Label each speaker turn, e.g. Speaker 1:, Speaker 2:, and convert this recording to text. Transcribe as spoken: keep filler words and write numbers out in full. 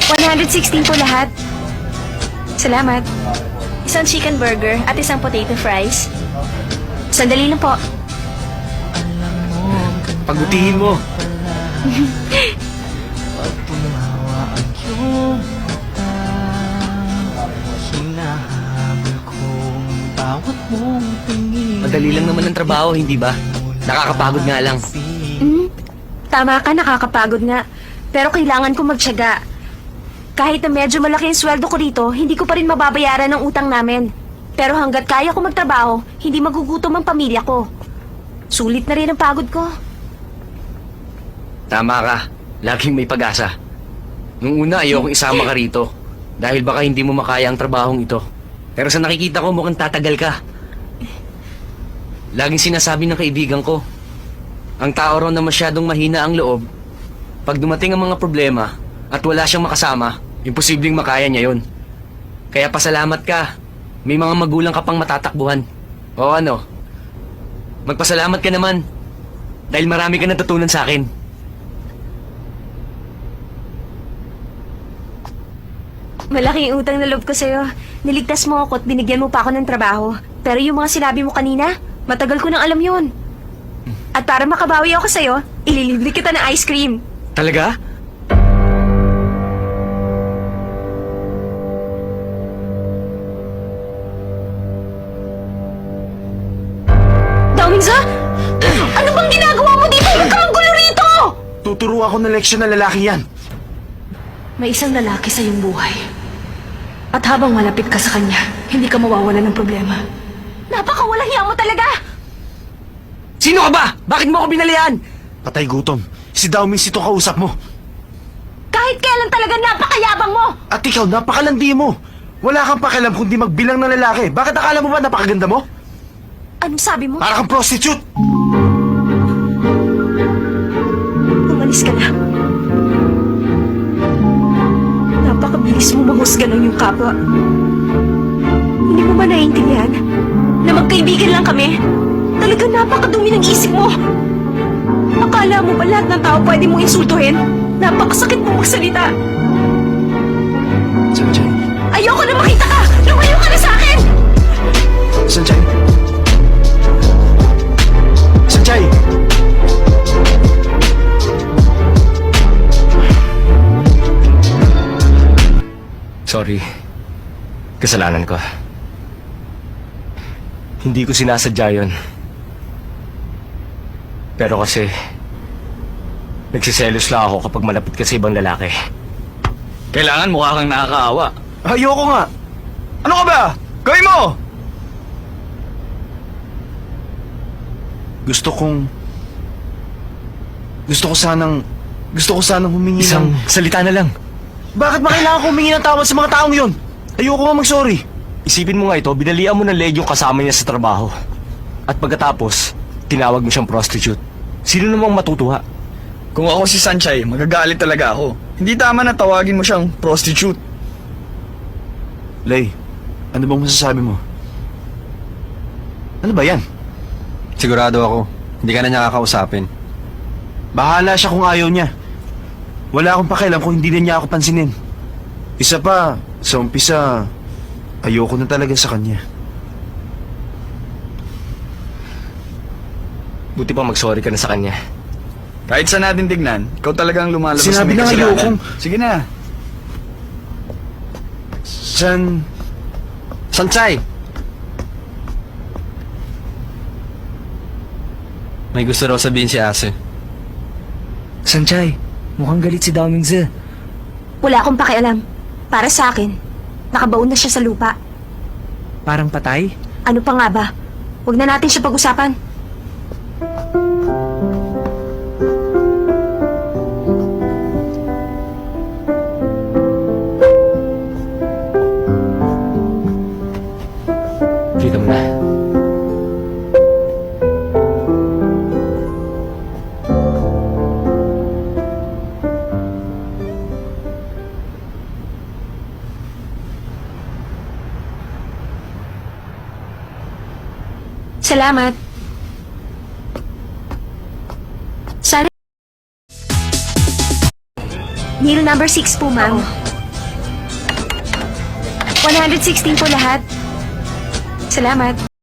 Speaker 1: one sixteen po lahat. Salamat. Isang chicken burger at isang potato fries. Sandali lang po.
Speaker 2: Pagutihin mo. Madali lang naman ang trabaho, hindi ba? Nakakapagod nga lang.
Speaker 1: Hmm? Tama ka, nakakapagod nga. Pero kailangan ko magtiyaga. Kahit na medyo malaki ang sweldo ko dito, hindi ko pa rin mababayaran ang utang namin. Pero hanggat kaya ko magtrabaho, hindi magugutom ang pamilya ko. Sulit na rin ang pagod ko.
Speaker 2: Tama ka. Laging may pag-asa. Nung una, ayokong isama ka rito. Dahil baka hindi mo makaya ang trabahong ito. Pero sa nakikita ko, mukhang tatagal ka. Laging sinasabi ng kaibigan ko, ang tao raw na masyadong mahina ang loob, pag dumating ang mga problema at wala siyang makasama, imposibleng makaya niya yon. Kaya pasalamat ka. May mga magulang ka pang matatakbuhan. O ano? Magpasalamat ka naman. Dahil marami ka natutunan sa akin.
Speaker 1: Malaki ang utang na loob ko sa'yo. Niligtas mo ako at binigyan mo pa ako ng trabaho. Pero yung mga sinabi mo kanina, matagal ko nang alam yun. At para makabawi ako sa'yo, ililibre kita ng ice cream.
Speaker 2: Talaga?
Speaker 1: Daminza? Ano bang ginagawa mo dito? Huwag kang gulo rito!
Speaker 3: Tuturo ako ng leksyon ng lalaki yan.
Speaker 1: May isang lalaki sa iyong buhay. At habang malapit ka sa kanya, hindi ka mawawala ng problema. Napakawalang hiya mo talaga!
Speaker 2: Sino ka ba? Bakit mo ako binalian?
Speaker 3: Patay gutom. Si Daoming Sito kausap mo.
Speaker 1: Kahit kailan talaga napakayabang mo!
Speaker 3: At ikaw, napakalandi mo. Wala kang pakialam kundi magbilang ng lalaki. Bakit akala mo ba napakaganda mo?
Speaker 1: Anong sabi mo?
Speaker 3: Para kang prostitute!
Speaker 1: Umalis ka na. Napakabilis mo mahusga ng iyong kapwa. Hindi mo ba naiintindihan na magkaibigan lang kami? Talaga napakadumi ng isip mo. Akala mo ba lahat ng tao pwede mong insultuhin? Napakasakit mo magsalita.
Speaker 3: Sanjay.
Speaker 1: Ayoko na makita ka! Lumayo ka na sa akin!
Speaker 3: Sanjay. Sanjay!
Speaker 2: Sorry. Kasalanan ko. Hindi ko sinasadya yun. Pero kasi, nagsiselos lang ako kapag malapit ka sa ibang lalaki. Kailangan mukha kang nakakaawa.
Speaker 3: Ayoko nga. Ano ka ba? Gawin mo! Gusto kong... Gusto ko sanang... Gusto ko sanang humingi
Speaker 2: Isang
Speaker 3: ng...
Speaker 2: salita na lang.
Speaker 3: Bakit ba kailangan ko humingi ng tawad sa mga taong yun? Ayoko nga mag-sorry.
Speaker 2: Isipin mo nga ito, binalian mo ng leg yung kasama niya sa trabaho. At pagkatapos, tinawag mo siyang prostitute. Sino namang matutuwa?
Speaker 4: Kung ako si Sanchay, magagalit talaga ako. Hindi tama na tawagin mo siyang prostitute.
Speaker 3: Lay, ano bang masasabi mo? Ano ba yan?
Speaker 5: Sigurado ako, hindi ka na niya kakausapin.
Speaker 3: Bahala siya kung ayaw niya. Wala akong pakialam kung hindi na niya ako pansinin. Isa pa, sa umpisa, ayoko na talaga sa kanya.
Speaker 2: Buti pa mag-sorry ka na sa kanya.
Speaker 4: Kahit saan natin tignan, ikaw talagang lumalabas
Speaker 3: Sinabi
Speaker 4: may
Speaker 3: na
Speaker 4: kasalanan.
Speaker 3: ayokong-
Speaker 4: Sige na.
Speaker 3: San...
Speaker 5: Sanchay! May gusto raw sabihin si Ase.
Speaker 2: Sanchay, mukhang galit si Daoming Zi.
Speaker 1: Wala akong pakialam. Para sa akin, nakabaon na siya sa lupa.
Speaker 2: Parang patay?
Speaker 1: Ano pa nga ba? Huwag na natin siya pag-usapan.
Speaker 2: Kita mo na.
Speaker 1: Salamat. Sana... Meal number six po, ma'am. one hundred sixteen po lahat. Salamat.